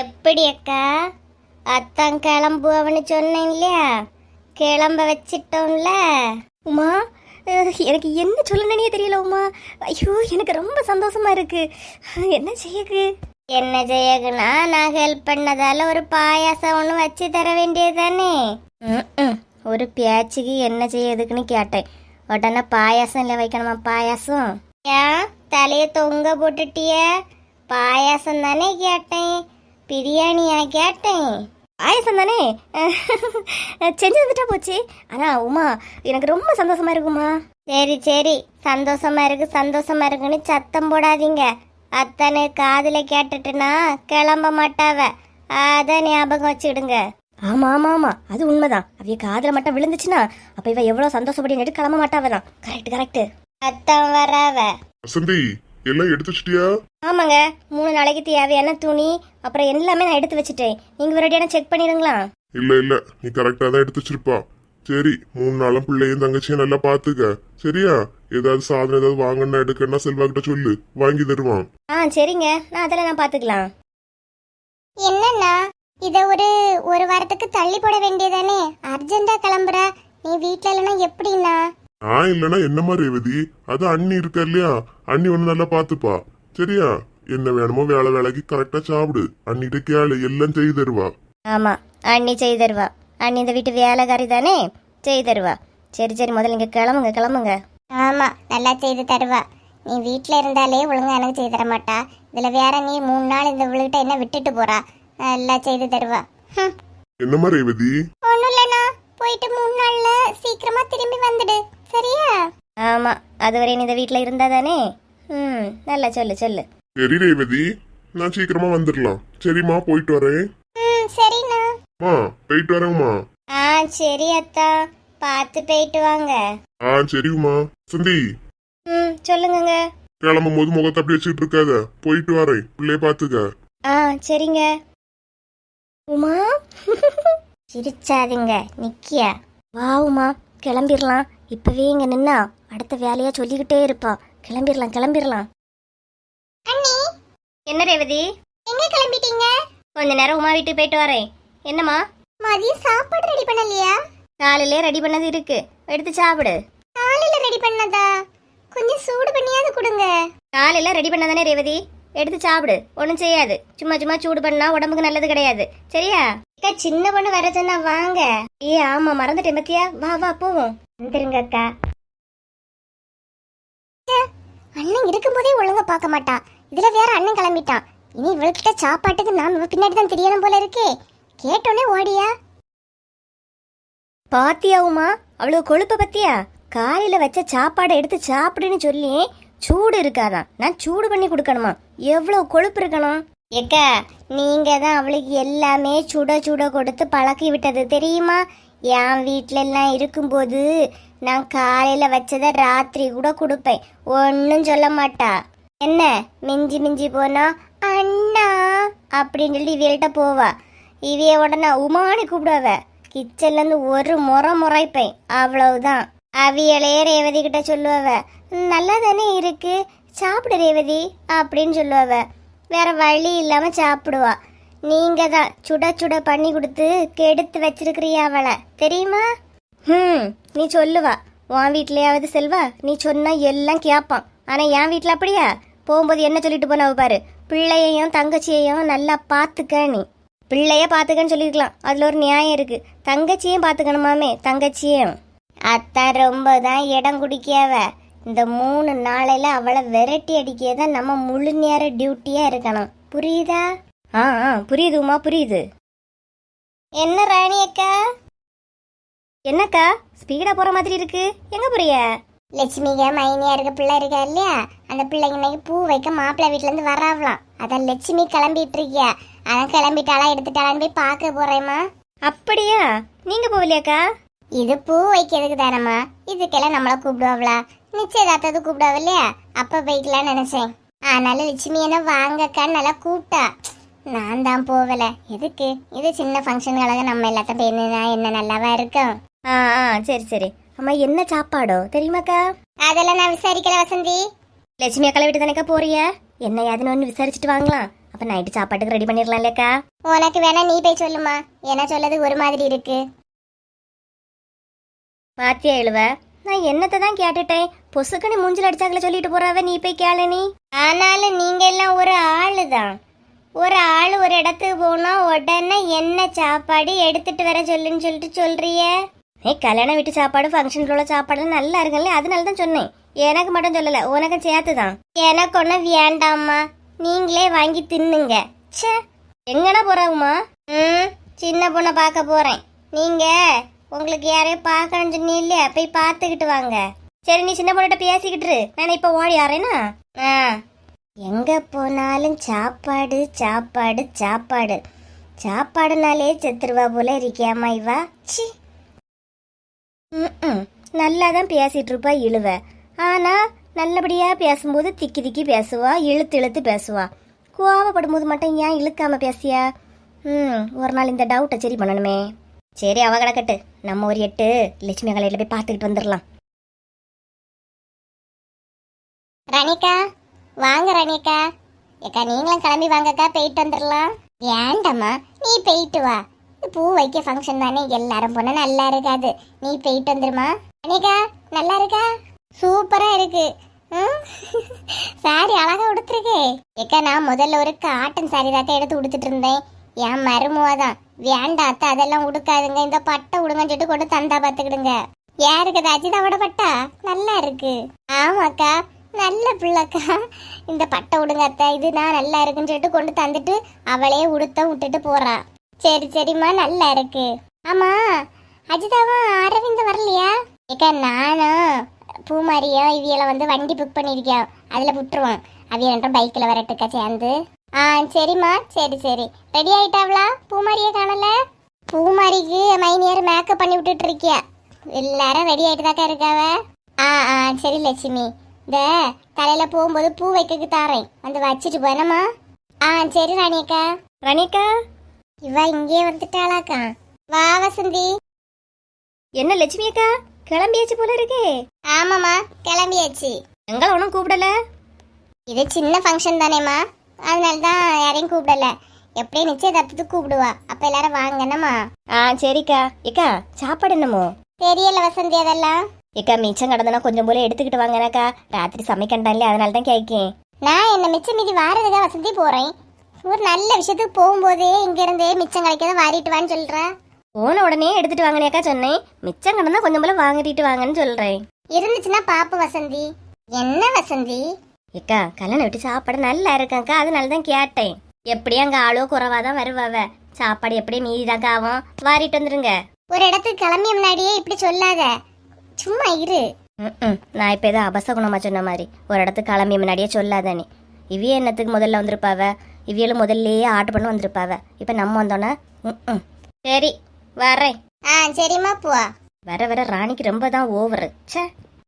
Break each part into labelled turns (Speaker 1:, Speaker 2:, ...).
Speaker 1: எப்படி அக்கா? அத்தான் கிளம்புவன்னு சொன்னேன் இல்லையா, கிளம்ப வச்சிட்டோம்ல.
Speaker 2: உமா, எனக்கு என்ன சொல்லணுன்னே தெரியல உமா. ஐயோ, எனக்கு ரொம்ப சந்தோஷமா இருக்கு. என்ன செய்யக்கு?
Speaker 1: என்ன செய்யக்குன்னா, நான் ஹெல்ப் பண்ணதால ஒரு பாயாசம் ஒன்று வச்சு தர வேண்டியதுதானே.
Speaker 2: ஒரு பேச்சுக்கு என்ன செய்யறதுக்குன்னு கேட்டேன். உடனே பாயாசம் இல்லை வைக்கணுமா? பாயாசம்
Speaker 1: ஏன் தலையை தொங்க போட்டுட்டிய? பாயாசம் தானே கேட்டேன், பிரியாணியா கேட்டேன்?
Speaker 2: பாயாசம் தானே செஞ்சு வந்துட்டா போச்சு. ஆனா உமா, எனக்கு ரொம்ப சந்தோஷமா இருக்குமா.
Speaker 1: சரி சரி, சந்தோஷமா இருக்கு சந்தோஷமா இருக்குன்னு சத்தம் போடாதீங்க. அத்தனை காதுல கேட்டுட்டுனா கிளம்ப மாட்டாவ, அத ஞாபகம் வச்சுடுங்க.
Speaker 2: ஆமா ஆமா ஆமா, அது உண்மைதான். அவைய காதுல மட்டும் விழுந்துச்சுன்னா அப்ப இவ எவ்வளவு சந்தோஷப்படி கிளம்ப மாட்டாவதான். Correct correct.
Speaker 1: அத்தான் வராவ.
Speaker 3: வசந்தி, எல்லாம் எடுத்து வச்சிட்டியா?
Speaker 2: ஆமாங்க, 3 நாளைக்கு தேவையான துணி அப்புறம் எல்லாமே நான் எடுத்து வச்சுட்டேன். நீங்க ஒரேடியான செக் பண்ணிடுங்களா?
Speaker 3: இல்ல, நீ கரெக்டா தான் எடுத்து வச்சிருப்பா. சரி, 3 நாளும் பிள்ளையும் தங்கச்சியும் நல்லா பாத்துக்க, சரியா? ஏதாவது சாதனம் ஏதாவது வாங்கணும்னா எடுக்கணும்னா செல்வா கிட்ட சொல்லு, வாங்கி தருவான்.
Speaker 2: சரிங்க, நான் அதெல்லாம் நான் பாத்துக்கலாம்.
Speaker 1: என்னன்னா இத ஒரு வாரத்துக்கு தள்ளி போட வேண்டியதானே? அர்ஜென்டா கிளம்புற, நீ வீட்ல இல்லைன்னா எப்படின்னா?
Speaker 3: நான் இல்லனா என்னமா ரேவதி, அது அண்ணி இருக்கா இல்லையா, அண்ணி ஒண்ணு நல்லா பாத்துப்பா, சரியா? என்ன வேணுமோ வேலைக்கு கரெக்டா சாப்பிடு, அண்ணிட்ட கேளு, எல்லாம் செய்து தருவா.
Speaker 2: ஆமா, அண்ணி செய்து தருவா. அண்ணி இந்த வீட்டு வேலைக்காரி தானே, செய்து தருவா. சரி சரி, முதல்ல இங்க கிளம்புங்க கிளம்புங்க.
Speaker 1: ஆமா, நல்லா செய்து தருவா. நீ வீட்ல இருந்தாலே ஒழுங்கா எனக்கு செய்து தர மாட்டா, இதுல வேற நீ 3 நாள் இந்த இவளுகிட்ட என்ன விட்டுட்டு போறா. நல்லா செய்து தருவா.
Speaker 3: என்னமா ரேவதி?
Speaker 1: ஒண்ணும் இல்லைண்ணா, போயிட்டு 3 நாள்ல சீக்கிரமா திரும்பி வந்துடு, சரியா?
Speaker 2: ஆமா, அதுவரை நீ இந்த வீட்டுல இருந்தா தானே. நல்லா சொல்லு சொல்லு.
Speaker 3: சரி ரேவதி, நான் சீக்கிரமா வந்துடலாம். சரிம்மா, போயிட்டு வரேன்.
Speaker 1: சரிண்ணா.
Speaker 3: போயிட்டு வரேம்மா.
Speaker 1: சரி அத்தா, பார்த்து போயிட்டு வாங்க.
Speaker 3: சரிம்மா. சந்தி,
Speaker 2: சொல்லுங்க.
Speaker 3: கிளம்பும் போது முகத்தை அப்படி வச்சுட்டு இருக்காத, போயிட்டு வரேன், பிள்ளைய பாத்துக்க.
Speaker 2: சரிங்க. உமா
Speaker 1: சிரிச்சாதீங்க, நிக்கியா.
Speaker 2: வா உமா, கிளம்பிடலாம். இப்பவே இங்க நின்னா அடுத்த வேலையா சொல்லிக்கிட்டே இருப்பா. கிளம்பிடலாம் கிளம்பிடலாம்.
Speaker 1: அண்ணி,
Speaker 2: என்ன ரேவதி,
Speaker 1: எங்க கிளம்பிட்டீங்க?
Speaker 2: கொஞ்ச நேரம் உமா வீட்டுக்கு போயிட்டு வரேன். என்னம்மா?
Speaker 1: மதியம் சாப்பாடு ரெடி பண்ணலையா?
Speaker 2: காலையிலே ரெடி பண்ணது இருக்கு, எடுத்து சாப்பிடு.
Speaker 1: காலையில ரெடி பண்ணதா? கொஞ்சம் சூடு பண்ணியாவது கொடுங்க.
Speaker 2: காலையில ரெடி பண்ணதானே ரேவதி, எடுத்து சாப்பிடு. ஒன்றும் செய்யாது, சும்மா சும்மா சூடு பண்ணா உடம்புக்கு நல்லது கிடையாது, சரியா?
Speaker 1: அக்கா, சின்ன பொண்ணு வர சொன்னா வாங்க.
Speaker 2: ஆமா, மறந்துட்டேன் பத்தியா. வா வா போவோம்.
Speaker 1: வந்துருங்க அக்கா. அண்ணன் இருக்கும்போதே ஒழுங்கா பார்க்க மாட்டா, இதுல வேற அண்ணன் கிளம்பிட்டான். இனி இவள்கிட்ட சாப்பாட்டுக்கு நாம் இவ பின்னாடி தான் தெரியணும் போல இருக்கே. கேட்டோன்னே ஓடியா.
Speaker 2: பாத்தியா உமா, அவ்வளவு கொழுப்ப பத்தியா? காலையில வச்ச சாப்பாடை எடுத்து சாப்பிடுன்னு சொல்லி சூடு இருக்காதான், நான் சூடு பண்ணி கொடுக்கணுமா? எவ்வளவு கொழுப்பு இருக்கணும்.
Speaker 1: ஏக்கா, நீங்க தான் அவளுக்கு எல்லாமே சுட சுட கொடுத்து பழக்கி விட்டது தெரியுமா? என் வீட்டுல எல்லாம் இருக்கும்போது நான் காலையில வச்சத ராத்திரி கூட கொடுப்பேன், ஒன்னும் சொல்ல மாட்டா. என்ன மிஞ்சி மிஞ்சி போனா அண்ணா அப்படின்னு சொல்லி இவள்கிட்ட போவா. இவைய உடனே உமானி கூப்பிடுவ. கிச்சன்ல இருந்து ஒரு முறைப்பேன், அவ்வளவுதான். அவியலே ரேவதி கிட்ட சொல்லுவவ, நல்லா தானே இருக்கு, சாப்பிடு ரேவதி அப்படின்னு சொல்லுவவ. வேற வழி இல்லாம சாப்பிடுவா. நீங்க தான் சுட சுட பண்ணி கொடுத்து கெடுத்து வச்சிருக்கிறியா அவளை, தெரியுமா?
Speaker 2: நீ சொல்லுவா. உன் வீட்லயாவது செல்வா, நீ சொன்னா எல்லாம் கேட்பான். ஆனா என் வீட்டுல அப்படியா? போகும்போது என்ன சொல்லிட்டு போனவ பாரு, பிள்ளையையும் தங்கச்சியையும் நல்லா பாத்துக்க. நீ பிள்ளைய பாத்துக்கன்னு சொல்லிருக்கலாம், அதுல ஒரு நியாயம் இருக்கு. தங்கச்சியும் பாத்துக்கணுமாமே, தங்கச்சியும்.
Speaker 1: அத்தான் ரொம்ப தான் இடம் குடிக்காவ. இந்த 3 நாளையில அவளை விரட்டி அடிக்கதான் நம்ம முழு நேர டியூட்டியா இருக்கணும், புரியுதா?
Speaker 2: புரியுது உமா, புரியுது.
Speaker 1: என்ன ராணி அக்கா?
Speaker 2: என்னக்கா ஸ்பீடா போற மாதிரி இருக்கு, எங்க போறிய?
Speaker 1: லட்சுமிக மைனியா இருக்க பிள்ளை இருக்கா இல்லையா, அந்த பிள்ளைங்க இன்னைக்கு பூ வைக்க மாப்பிள்ளை வீட்டுல இருந்து வராவலாம். அதான் லட்சுமி கிளம்பிட்டு இருக்கியா, அதான் கிளம்பிட்டாளா எடுத்துட்டாளான்னு போய் பார்க்க போறேம்மா.
Speaker 2: அப்படியா? நீங்க போகலையாக்கா?
Speaker 1: இது பூ வைக்கிறதுக்கு தானம்மா, இதுக்கெல்லாம் நம்மள கூப்பிடுவாங்களா? நிச்சயதார்த்தது கூப்பிடுவா இல்லையா, அப்ப போய்க்கலாம்னு நினைச்சேன். அதனால லட்சுமி என்ன வாங்கக்கான்னு நல்லா கூப்பிட்டா. நான் தான் போகல. எதுக்கு? இது சின்ன ஃபங்க்ஷன்களாக நம்ம எல்லாத்தையும் போயிருந்தா என்ன நல்லாவா இருக்கும்.
Speaker 2: சரி சரி. அம்மா, என்ன சாப்பாடோ தெரியுமாக்கா?
Speaker 1: அதெல்லாம் நான் விசாரிக்கல வசந்தி.
Speaker 2: லட்சுமி அக்கா வீட்டு தானேக்கா போறிய? என்ன ஏதுன்னு ஒன்று விசாரிச்சுட்டு வாங்கலாம். அப்ப நைட்டு சாப்பாட்டுக்கு ரெடி பண்ணிடலாம் இல்லக்கா?
Speaker 1: உனக்கு வேணா நீ போய் சொல்லுமா, என்ன சொல்லது ஒரு மாதிரி இருக்கு.
Speaker 2: பாத்தியா எழுவ, நான் என்னத்தை தான் கேட்டுட்டேன். பொசுக்கனி மூஞ்சில் அடிச்சாக்கல சொல்லிட்டு போறாவ, நீ போய் கேளு நீ.
Speaker 1: ஆனாலும் நீங்க எல்லாம் ஒரு ஆளு தான். ஒரு ஆள் ஒரு இடத்துக்கு போனா உடனே என்ன சாப்பாடு எடுத்துட்டு வர சொல்லுன்னு சொல்லிட்டு சொல்றிய.
Speaker 2: கல்யாண வீட்டு சாப்பாடு ஃபங்க்ஷன்ல உள்ள சாப்பாடு நல்லா இருக்குல்ல, அதனால தான் சொன்னேன். எனக்கு மட்டும் சொல்லல, உனக்கு சேர்த்து தான்.
Speaker 1: எனக்கு ஒன்றும் வேண்டாம்மா, நீங்களே வாங்கி தின்னுங்க.
Speaker 2: ச்சே, எங்கடா போறாவுமா?
Speaker 1: சின்ன பொண்ணை பார்க்க போறேன். நீங்க உங்களுக்கு யாரையும் பார்க்கணும்னு சொன்னீங்க, போய் பார்த்துக்கிட்டு வாங்க.
Speaker 2: சரி, நீ சின்ன பொண்ணுகிட்ட பேசிக்கிட்டு இரு. நான் இப்ப ஓடி ஆறேனா?
Speaker 1: எங்க போனாலும் சாப்பாடு சாப்பாடு சாப்பாடு, சாப்பாடுனாலே செத்துருவா போல இருக்கியாமா இவா. சி,
Speaker 2: நல்லா தான் பேசிட்டு இருப்பா இழுவ. ஆனா நல்லபடியா பேசும்போது திக்கி திக்கி பேசுவா, இழுத்து இழுத்து பேசுவா. கோவப்படும் போது மட்டும் ஏன் இழுக்காம பேசியா? ஒரு நாள் இந்த டவுட்டை சரி பண்ணணுமே. சரி, அவ கிடக்கட்டு. நம்ம ஒரு 8 லட்சுமி கலையில போய் பார்த்துக்கிட்டு வந்துடலாம்.
Speaker 1: ரணிகா, வாங்க ரணிகா. ஏக்கா நீங்களும் கிளம்பி வாங்கக்கா, போயிட்டு வந்துடலாம். வேண்டாம்மா, நீ போயிட்டு வா. பூ வைக்க ஃபங்க்ஷன் தானே, எல்லாரும் போனா நல்லா இருக்காது. நீ போயிட்டு வந்துருமா. ரணிகா நல்லா இருக்கா? சூப்பரா இருக்கு. சாரி அழகா உடுத்துருக்கே. ஏக்கா நான் முதல்ல ஒரு காட்டன் சாரி தாக்கா எடுத்து உடுத்துட்டு இருந்தேன். என் மருமுவாதான் வேண்டாத்த அதெல்லாம் உடுக்காதுங்க, இந்த பட்டை உடுங்கன்னு சொல்லிட்டு கொண்டு தந்தா பாத்துக்கிடுங்க. யாருக்கு அஜிதாவோட பட்டா நல்லா இருக்கு. ஆமாக்கா, நல்ல பிள்ளைக்கா. இந்த பட்டை உடுங்க அத்தை, இது நான் நல்லா இருக்குன்னு சொல்லிட்டு கொண்டு தந்துட்டு அவளே உடுத்த விட்டுட்டு போறா. சரி சரிம்மா, நல்லா இருக்கு. ஆமா, அஜிதாவும் அரவிந்த் வரலையா? ஏக்கா நானும் பூமாரியும் இவியலை வந்து வண்டி புக் பண்ணிருக்கோம், அதுல விட்டுருவோம். அவிய ரெண்டும் பைக்கில் வரட்டுக்கா சேர்ந்து. சரிம்மா, சரி சரி. ரெடி ஆயிட்டாவளா? பூமாரியை காணல. பூமாரிக்கு மைனியர் மேக்கப் பண்ணி விட்டுட்டு இருக்கியா? எல்லாரும் ரெடி ஆயிட்டு தாக்கா இருக்காவ. சரி லட்சுமி, இந்த தலையில போகும்போது பூ வைக்க தாரேன், வந்து வச்சுட்டு போனமா. சரி ராணியக்கா.
Speaker 2: ரணிகா,
Speaker 1: இவ இங்கே வந்துட்டாளாக்கா. வா வசந்தி.
Speaker 2: என்ன லட்சுமி அக்கா, கிளம்பியாச்சு போல இருக்கே.
Speaker 1: ஆமாம்மா, கிளம்பியாச்சு.
Speaker 2: எங்களை ஒன்றும் கூப்பிடல.
Speaker 1: இது சின்ன ஃபங்க்ஷன் தானேம்மா, அதனால தான் யாரையும் கூப்பிடல. எப்படியும் நிச்சயதார்த்தத்துக்கு கூப்பிடுவா, அப்ப எல்லாரும் வாங்கண்ணம்மா.
Speaker 2: சரிக்கா. ஏக்கா, சாப்பாடு என்னமோ
Speaker 1: தெரியல வசந்தி அதெல்லாம்.
Speaker 2: ஏக்கா, மிச்சம் கடந்தனா கொஞ்சம் போல எடுத்துக்கிட்டு வாங்கனாக்கா, ராத்திரி சமைக்கண்டாலே, அதனால தான் கேட்கேன்.
Speaker 1: நான் என்ன மிச்சம் மீதி வாரதுக்காக வசந்தி போறேன். ஒரு நல்ல விஷயத்துக்கு போகும்போதே இங்க இருந்தே மிச்சம் கிடைக்காத வாரிட்டு வான்னு சொல்றேன்.
Speaker 2: போன உடனே எடுத்துட்டு வாங்கினேக்கா சொன்னேன். மிச்சம் கடந்தா கொஞ்சம் போல வாங்கிட்டு வாங்கன்னு சொல்றேன்.
Speaker 1: இருந்துச்சுன்னா பாப்பு வசந்தி. என்ன வசந்தி?
Speaker 2: ஏக்கா, கல்யாணம் விட்டு சாப்பாடு நல்லா இருக்காக்கா, அதனால தான் கேட்டேன். எப்படியும் அங்க ஆளோ குறவாதான் வருவாவ, சாப்பாடு எப்படியும் மீதிதாக்கா ஆகும், வாரிட்டு வந்துருங்க.
Speaker 1: ஒரு இடத்துக்கு கிளம்பிய முன்னாடியே இப்படி சொல்லாத, சும்மா இரு.
Speaker 2: நான் இப்ப ஏதோ அபசகுணமா சொன்ன மாதிரி ஒரு இடத்துக்கு கிளம்பிய முன்னாடியே சொல்லாத நீ. இவிய என்னத்துக்கு முதல்ல வந்திருப்பாவ, இவியலும் முதல்லயே ஆர்டர் பண்ண வந்திருப்பாவ. இப்ப நம்ம வந்தோன்னா சரி வரேன்.
Speaker 1: சரிம்மா போவா.
Speaker 2: வர வர ராணிக்கு ரொம்ப தான் ஓவரு. சே,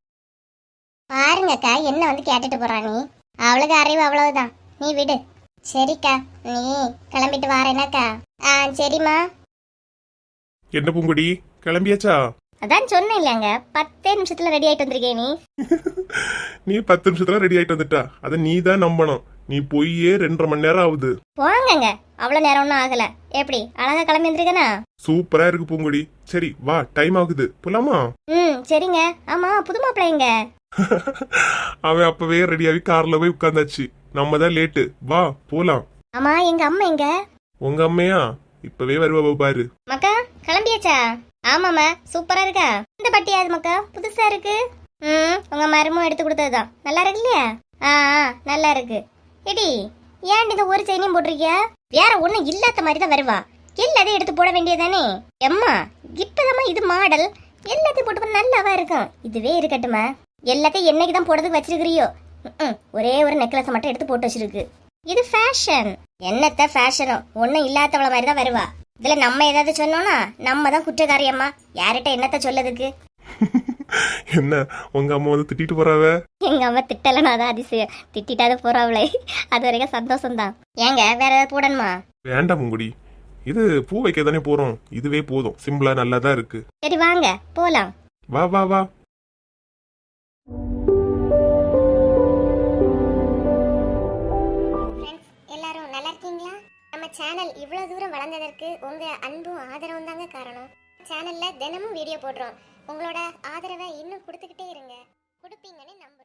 Speaker 1: பாருங்கக்கா என்ன வந்து கேட்டுட்டு போறா. நீ அவளுக்கு அறிவு அவ்வளவுதான், நீ விடு. சரிக்கா, நீ கிளம்பிட்டு வாரேனாக்கா. சரிம்மா.
Speaker 3: என்ன பூங்குடி, கிளம்பியாச்சா?
Speaker 2: அதான் சொன்னேன் இல்லையாங்க, 10 நிமிஷத்துல ரெடி ஆயிட்டு வந்திருக்கேன்.
Speaker 3: நீ 10 நிமிஷத்துல ரெடி ஆயிட்டு வந்துட்டா? அதை நீ தான் நம்பணும். நீ போயே 2.5 மணி நேரம் ஆகுது.
Speaker 2: போங்கங்க, அவ்வளவு நேரம் ஒன்றும் ஆகல. எப்படி அழகா கிளம்பி வந்திருக்கனா?
Speaker 3: சூப்பரா இருக்கு பூங்குடி. சரி வா, டைம் ஆகுது, போலாமா?
Speaker 2: சரிங்க. ஆமா, புது மாப்பிள்ளைங்க.
Speaker 3: அவன் அப்பவே ரெடியாகி கார்ல போய் உட்கார்ந்தாச்சு. நம்ம தான் லேட்டு, வா போலாம்.
Speaker 2: ஆமா, எங்க அம்மா எங்க?
Speaker 3: உங்க அம்மையா இப்பவே வருவா பாரு.
Speaker 2: மக்கா கிளம்பியாச்சா? ஆமாமா, சூப்பரா இருக்கா? இந்த பட்டியாது மக்கா, புதுசா இருக்கு. உங்க மருமும் எடுத்து கொடுத்ததுதான். நல்லா இருக்கு இல்லையா? நல்லா இருக்கு. எடி, ஏன் இந்த ஒரு செயினையும் போட்டிருக்கியா? வேற ஒண்ணும் இல்லாத மாதிரி தான் வருவா, எல்லாத்தையும் எடுத்து போட வேண்டியதானே. எம்மா, இப்பதாம்மா இது மாடல், எல்லாத்தையும் போட்டு நல்லாவா இருக்கும். இதுவே இருக்கட்டுமா, எல்லாத்தையும் என்னைக்கு தான் போடுறதுக்கு வச்சிருக்கிறியோ? ஒரே ஒரு நெக்லஸ் மட்டும் எடுத்து போட்டு வச்சிருக்கு. இது ஃபேஷன். என்னத்த ஃபேஷனோ, ஒன்னும் இல்லாதவள மாதிரி தான் வருவா. இதுல நம்ம ஏதாவது சொன்னோம்னா நம்ம தான் குற்றக்காரியம்மா. யார்கிட்ட என்னத்த சொல்லதுக்கு?
Speaker 3: என்ன உங்க அம்மா வந்து திட்டிட்டு போறாவ?
Speaker 2: எங்க அம்மா திட்டலன்னா தான் அதிசயம், திட்டாத போறாவளே, அது வரைக்கும் சந்தோஷம்தான். ஏங்க வேற ஏதாவது போடணுமா?
Speaker 3: வேண்டாம் பூங்குடி, இது பூ வைக்க தானே போறோம், இதுவே போதும். சிம்பிளா நல்லாதான் இருக்கு.
Speaker 2: சரி வாங்க போலாம்.
Speaker 3: வா வா வா.
Speaker 1: எல்லாரும் நல்லா இருக்கீங்க? நம்ம சேனல் இவ்வளவு தூரம் வளர்ந்ததற்கு உங்க அன்பும் ஆதரவும் தாங்க காரணம். சேனல்ல தினமும் வீடியோ போடுறோம். உங்களோட ஆதரவை இன்னும் கொடுத்துக்கிட்டே இருங்க. கொடுப்பீங்கன்னு நம்புறேன்.